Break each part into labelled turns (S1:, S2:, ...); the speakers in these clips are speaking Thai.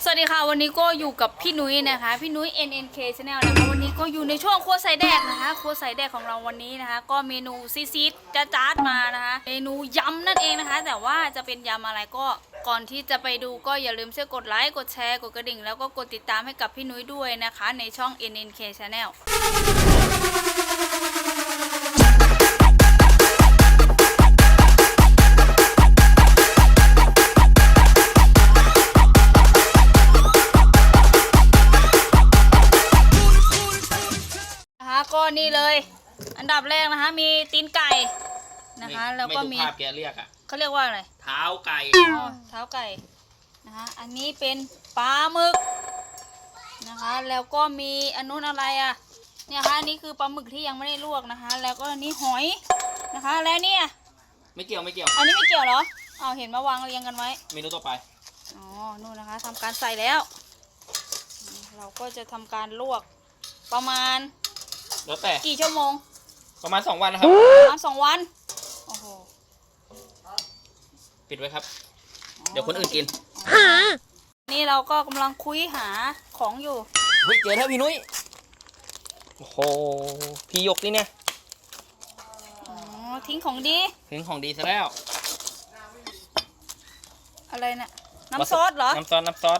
S1: สวัสดีค่ะวันนี้ก็อยู่กับพี่นุ้ยนะคะพี่นุ้ย NNK Channel นะคะวันนี้ก็อยู่ในช่วงครัวใส่แดกนะคะครัวใส่แดกของเราวันนี้นะคะก็เมนูซีดๆจ้าๆมานะคะเมนูยำนั่นเองนะคะแต่ว่าจะเป็นยำอะไรก็ก่อนที่จะไปดูก็อย่าลืมช่วยกดไลค์กดแชร์กดกระดิ่งแล้วก็กดติดตามให้กับพี่นุ้ยด้วยนะคะในช่อง NNK Channelก็นี่เลยอันดับแรกนะคะมีตีนไก่นะคะแล้วก็มี
S2: ภาพแกเรียกอะ
S1: เขาเรียกว่าอะไร
S2: เท้าไก่
S1: เท้าไก่นะคะอันนี้เป็นปลาหมึกนะคะแล้วก็มีอันนู้นอะไรอ่ะเนี่ยค่ะอันนี้คือปลาหมึกที่ยังไม่ได้ลวกนะคะแล้วก็อันนี้หอยนะคะแล้วเนี่ย
S2: ไม่เกี่ยว
S1: อันนี้ไม่เกี่ยวเหรอเอาเห็นมาวางเรียงกันไว้
S2: เมนูต่อไป
S1: อ๋อนู่นนะคะทำการใส่แล้วเราก็จะทำการลวกประมาณ
S2: แล้วแต่
S1: กี่ชั่วโมง
S2: ประมาณ2 วันนะครับ
S1: ประมาณ2 วันโอ้โห
S2: ปิดไว้ครับเดี๋ยวคนอื่นกิน
S1: นี่เราก็กำลังคุยหาของอยู่
S2: เฮ้ยเจอแล้วพี่นุ้ยโอ้โหพี่ยกนี่เนี่ย
S1: อ๋อทิ้งของดี
S2: ซะแล้ว
S1: อะไรเนี่ยน้ำซอสเหรอ
S2: น้ำซอสนี่
S1: น้ำซอส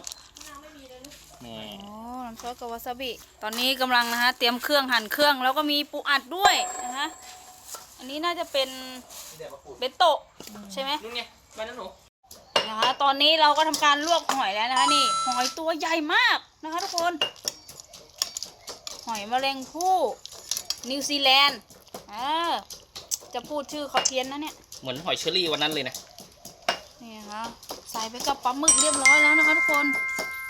S1: กับวาซาบิตอนนี้กำลังนะคะเตรียมเครื่องหั่นเครื่องแล้วก็มีปูอัดด้วยนะคะอันนี้น่าจะเป็นเบนโตะใช่ไหม
S2: นี่ไงไปนั่นหนู
S1: นะคะตอนนี้เราก็ทำการลวกหอยแล้วนะคะนี่หอยตัวใหญ่มากนะคะทุกคนหอยแมลงภู่นิวซีแลนด์จะพูดชื่อเขาเพี้ยนนะเนี่ย
S2: เหมือนหอยเชอรี่วันนั้นเลยนะ
S1: นี่ค่ะใส่ไปกับปลาหมึกเรียบร้อยแล้วนะคะทุกคน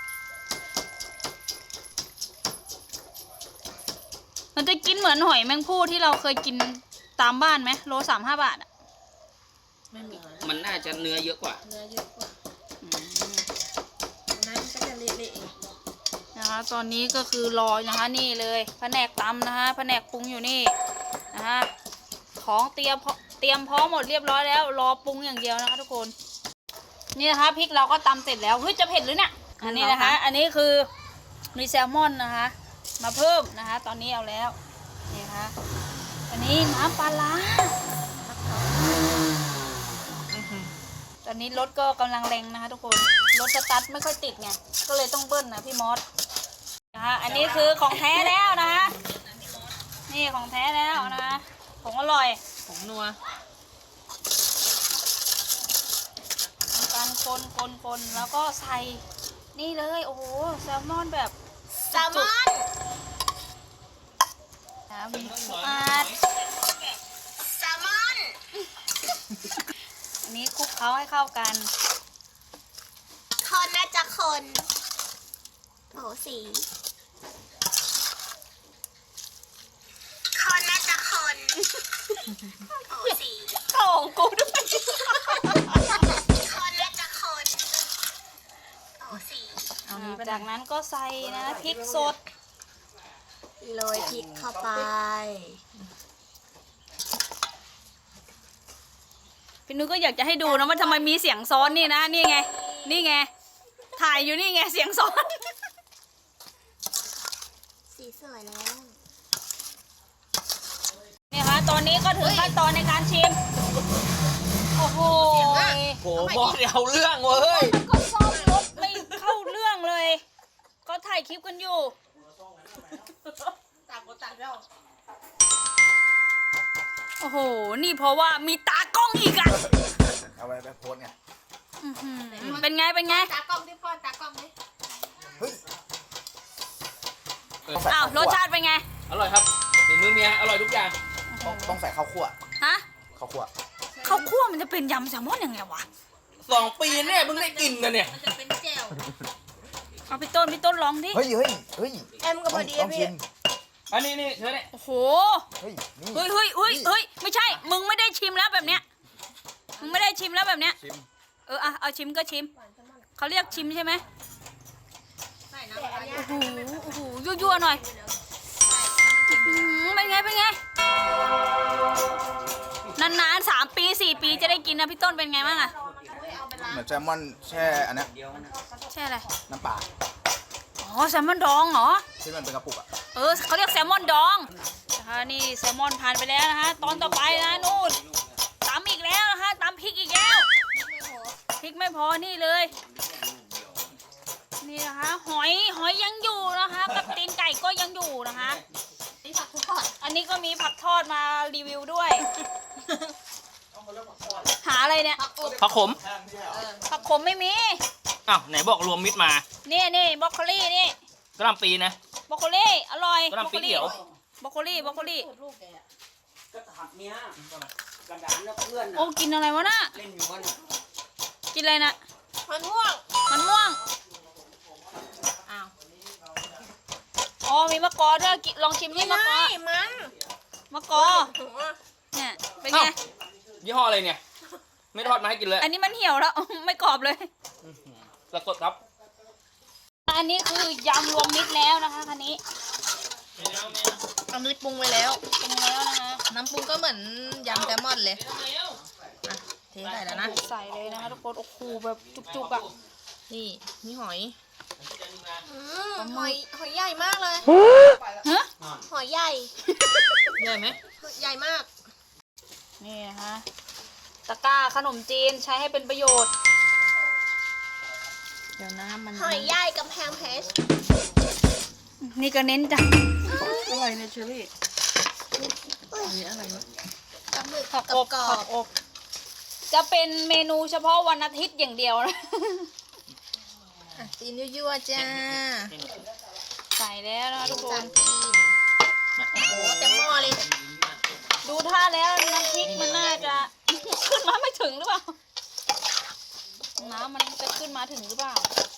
S1: มันจะกินเหมือนหอยแมงภู่ที่เราเคยกินตามบ้านไหมโล35 บาทอ่ะ
S2: มันน่าจะเนื้อเยอะกว่า
S1: น้ำก็จะเละๆนะคะตอนนี้ก็คือรอนะคะนี่เลยแผนกตำนะคะแผนกปรุงอยู่นี่นะคะของเตรียมพร้อมหมดเรียบร้อยแล้วรอปรุงอย่างเดียวนะคะทุกคนนี่นะคะพริกเราก็ตำเสร็จแล้วเฮ้ยจะเผ็ดหรือเนี่ยอันนี้นะคะอันนี้คือมีแซลมอนนะคะมาเพิ่มนะคะตอนนี้เอาแล้วนี่ค่ะอันนี้น้ำปลาร้าตอนนี้รถก็กำลังแรงนะคะทุกคนรถสตาร์ทไม่ค่อยติดไงก็เลยต้องเบิ้ลนะพี่มอสนะคะอันนี้คือของแท้แล้วนะคะนี่ของแท้แล้วนะคะผงอร่อย
S2: ผงนัว
S1: ทำการคนแล้วก็ใส่นี่เลยโอ้โหแซลมอนแบบ
S3: แซลมอน
S1: มีปูอัด
S3: แซลมอน
S1: อันนี้คลุกเคล้าให้เข้ากัน
S3: คนน่าจะคนโอ้สีคนน่าจะคนโอ้สี
S1: ของกูด้วย
S3: คนน่าจะคนโอ้สี
S1: จากนั้นก็ใส่นะพริกสด
S3: โรยพริกเข้าไป
S1: พี่นุ้ยก็อยากจะให้ดูนะว่าทำไมมีเสียงซ้อนนี่นะนี่ไงถ่ายอยู่นี่ไงเสียงซ้อน
S3: สีสวยแล้ว
S1: นี่ค่ะตอนนี้ก็ถึงขั้นตอนในการชิมโอ้โห
S2: โหบอสเอาเรื่องเว้ย
S1: ก็ซ่อมรถไม่เข้าเรื่องเลยก็ถ่ายคลิปกันอยู่
S3: ต่างเรา
S1: โอ้โหนี่เพราะว่ามีตากล้องอีกอะ
S4: เอาไว้ไปโพสไง
S1: เป็นไง
S3: ตากล้องที่พ่อตากล้องไหม
S1: อ้าวรสชาติเป็นไง
S2: อร่อยครับฝีมือเมียอร่อยทุกอย่าง
S4: ต้องใส่ข้าวคั่ว
S1: ฮะ
S4: ข้าว
S1: คั่วมันจะเป็นยำแซลมอนยังไงวะ
S2: 2 ปีเนี่ยเพิ่งได้กินกันเนี่ย
S3: มันจะเป็นแจ่ว
S1: เอาพี่ต้นลองดิ
S4: เฮ้ย
S3: เอ็มกับพอดีพี่
S2: อันนี้เธอเนี่ย
S1: โอ้โหเฮ้ยไม่ใช่มึงไม่ได้ชิมแล้วแบบเนี้ยเอาชิมก็ชิมเขาเรียกชิมใช่ไหมโอ้โหยั่วหน่อยเป็นไงนานๆ3 ปี 4 ปีจะได้กินนะพี่ต้นเป็นไงบ้างอะ
S4: เหมือนแซลมอนแช่อันเนี้ย
S1: ใช่อะไร
S4: น้ำปลา
S1: อ๋อแซลมอนดองเหรอ
S4: ที่มันเป็นกระปุกอ่ะ
S1: เออเขาเรียกแซลมอนดองนะคะนี่แซลมอนผ่านไปแล้วนะคะตอนต่อไปนะนู่นตำอีกแล้วนะคะตำพริกอีกแล้วพริกไม่พอนี่เลย นี่นะคะหอยยังอยู่นะคะกับตีนไก่ก็ยังอยู่นะคะ
S3: นี่ผักทอด
S1: อันนี้ก็มีผักทอดมารีวิวด้วย หาอะไรเนี่ย
S2: ผักขม
S1: ผักขมไม่มี
S2: อ้าวไหนบอกรวมมิตรมา
S1: นี่บรอกโคลี่นี่
S2: กระหล่ำปีนะ
S1: บรอกโคลี่อร่อย
S2: กระหล่ำปีเขียว
S1: บรอกโคลี่
S5: ก็ถัดเนี้ยกระดานแล้วเพื่อน
S1: โอ้กินอะไรวะน่ะ
S5: เล่นอยู่มัน
S1: กินอะไรน่ะ
S3: มันม่วง
S1: มันม่วง
S3: อ้าว
S1: อ๋อมีมะกอด้วยลองชิมนี่มะกอ
S3: มัน
S1: มะกอเนี่ยเป็นไง
S2: อ้าว ยี่ห้ออะไรเนี่ย ไม่ทอดมาให้กินเลย
S1: อันนี้มันเหี่ยวแล้ว ไม่กรอบเลย
S2: สะกดครับ
S1: อันนี้คือยำรวมมิตรแล้วนะคะคันนี้
S3: อันนี้ปรุงไว้แล้ว
S1: ปรุงแล้วนะคะ
S3: น้ำปรุงก็เหมือนยำแซลมอนเลยเทใส่แล้วนะ
S1: ใส่เลยนะคะทุกคนโอ้โหแบบจุกๆอ่ะ
S3: นี่มีหอยหอยใหญ่มากเลย
S1: ฮะ
S3: หอยใหญ่
S1: ใหญ่ไหม
S3: ใหญ่มาก
S1: นี่นะคะตะกร้าขนมจีนใช้ให้เป็นประโยชน์
S3: เดี๋ยวน้ำมันหอยใหญ่กำแพงเพชร
S1: นี่ก็เน้นจัง
S5: อะไรเนี่ยเชอรี่
S3: กับหมึก
S1: ผัก
S3: กั
S1: อ
S3: บบ กรอ
S1: ผั
S3: บ
S1: กอบ จะเป็นเมนูเฉพาะวันอาทิตย์อย่างเดียวนะ
S3: ตีนยั่วๆจ้า
S1: ใส่แล้วนะคะทุกค
S3: จาน นตีนโอ้โหเต็มหม้อเลย
S1: ดูท่าแล้วน้ำพริกมันน่าจะ ขึ้นมาไม่ถึงหรือเปล่า น้ำมันจะขึ้นมาถึงหรือเปล่า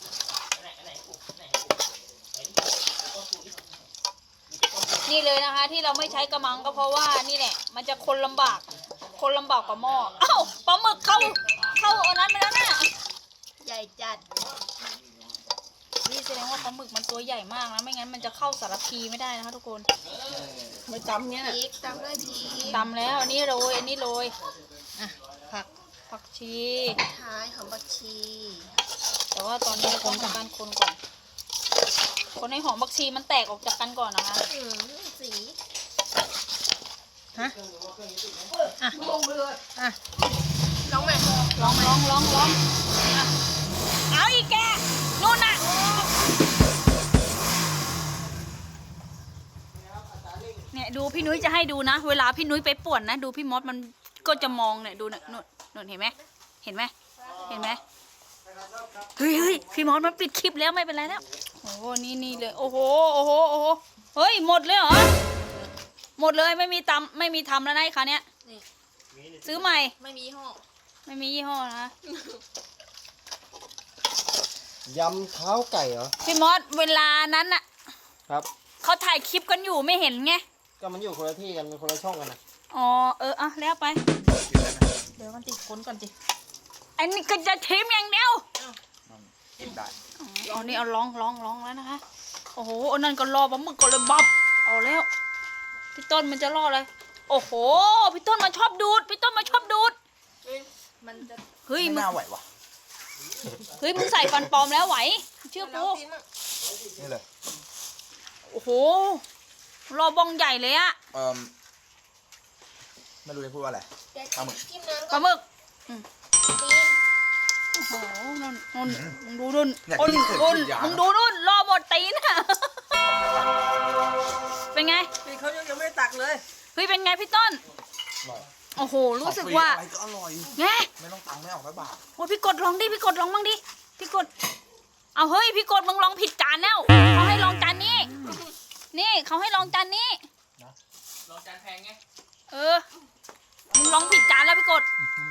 S1: นี่เลยนะคะ ที่เราไม่ใช้กระมังก็เพราะว่านี่แหละ มันจะคนลำบากกว่าหม้ออ้าวปลาหมึกเข้าเอานั้นไปแล้วนะ
S3: ใหญ่จัด
S1: นี่แสดงว่าปลาหมึกมันตัวใหญ่มากนะไม่งั้นมันจะเข้าสารพีไม่ได้นะคะทุกคน
S5: ไม่จำเนี้ย
S3: พริกตามด้วยพริก
S1: ตำแล้วอันนี้โรยอันนี้โรย
S3: อ่ะผัก
S1: ผักชี
S3: ท้ายหอมบักชี
S1: แต่ว่าตอนนี้เราต้องทำการคนก่อน คนให้หอมผักชีมันแตกออกจากกันก่อนนะคะ
S3: สี
S1: ฮะ
S3: อ่ะลองไหม
S1: ลองอ่ะเอาอีกแกนู่นน่ะเนี่ยดูพี่นุ้ยจะให้ดูนะ เวลาพี่นุ้ยไปป่วนนะ ดูพี่มดมันก็จะมองเนี่ยดูนะนู่นเห็นไหมเห็นไหมเฮ้ยพี่มดมันปิดคลิปแล้วไม่เป็นไรแล้วโอ้โหนี่เลยโอ้โหเฮ้ยหมดเลยเหรอหมดเลยไม่มีทำแล้วนะไอ้คันเนี้ยซื้อใหม่
S3: ไม่มียี่ห้อ
S1: ไม่มียี่ห้อนะ
S6: ยำเท้าไก่เหรอ
S1: พี่มดเวลานั้นน่ะ
S6: ครับ
S1: เขาถ่ายคลิปกันอยู่ไม่เห็นไง
S6: ก็มันอยู่คนละที่กันมันคนละช่องกันนะ
S1: อ๋ออ่ะแล้วไป
S3: เดี๋ยวมันติดค้นก่อนจิ
S1: อันนี้ก็จะทิมอย่างเดียว
S4: กินได้
S1: อ๋อนี่เอาลองแล้วนะคะโอ้โหอันนั้นก็รอปลาหมึกก็เลยบับเอาแล้วพี่ต้นมันจะรออะไรโอ้โหพี่ต้นมันชอบดูด
S3: มันจะ
S1: เฮ้ย
S4: ไม่
S1: มึง
S4: น่าไหววะ
S1: มึงใส่ฟันปลอมแล้วไหวเชื่อ
S3: ลอ
S1: กู
S3: งกินมั่ง
S4: นี่เลย
S1: โอ้โหรอบองใหญ่เลยอะ
S4: ไม่รู้จะพูดว่าอะไร
S3: เดี๋ยว
S4: ปลาหมึก
S3: จิ้มน้ำ
S1: ป
S3: ก่อ
S1: ลาน หมึก
S3: ตีน
S1: โอ้โหนุ่นมึงดูนุ่น
S4: เนี่ย
S1: อ้น
S4: ที่เคยพูดยาว
S1: มึงดูนุ่นรอหมดตีนอะเป็นไง
S5: พี่เขายังไม่ตักเลย
S1: เฮ้ยเป็นไงพี่ต้น
S4: อร่อย
S1: โอ้โหรู้สึกว่า
S4: อะไรก็อร่อย
S1: ไง
S4: ไม่ต้องตังค์ไม่ออกสักบาท
S1: โอ้ยพี่กดลองดิพี่กดลองบ้างดิพี่กดเอาเฮ้ยพี่กดมึงลองผิดจานแล้วเขาให้ลองจานนี้ นี่เขาให้ลองจานนี้
S2: ลองจานแพงไง
S1: เออมึงลองผิดจานแล้วพี่กด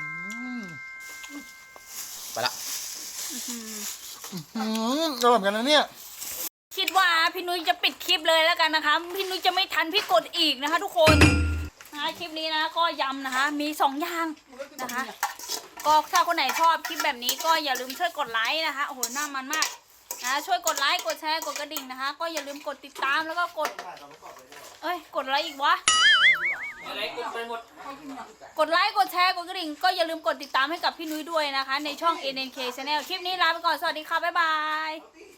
S4: ไปละ
S6: อร่อยเหมือนกันนะเนี่ย
S1: คิดว่าพี่นุ้ยจะปิดคลิปเลยแล้วกันนะคะพี่นุ้ยจะไม่ทันพี่กดอีกนะคะทุกคนนะคะคลิปนี้นะก็ยำนะคะมี2อย่างนะคะก็ถ้าคนไหนชอบคลิปแบบนี้ก็อย่าลืมช่วยกดไลค์นะคะโอ้โหน่ามันมากนะช่วยกดไลค์กดแชร์กดกระดิ่งนะคะก็อย่าลืมกดติดตามแล้วก็กดกดอะไรอีกวะ
S5: อะไรกดไปหมด
S1: กดไลค์ กดแชร์ กดกระดิ่ง ก็อย่าลืมกดติดตามให้กับพี่นุ้ยด้วยนะคะ ในช่อง NNK Channel คลิปนี้ลาไปก่อน สวัสดีค่ะ บ๊ายบาย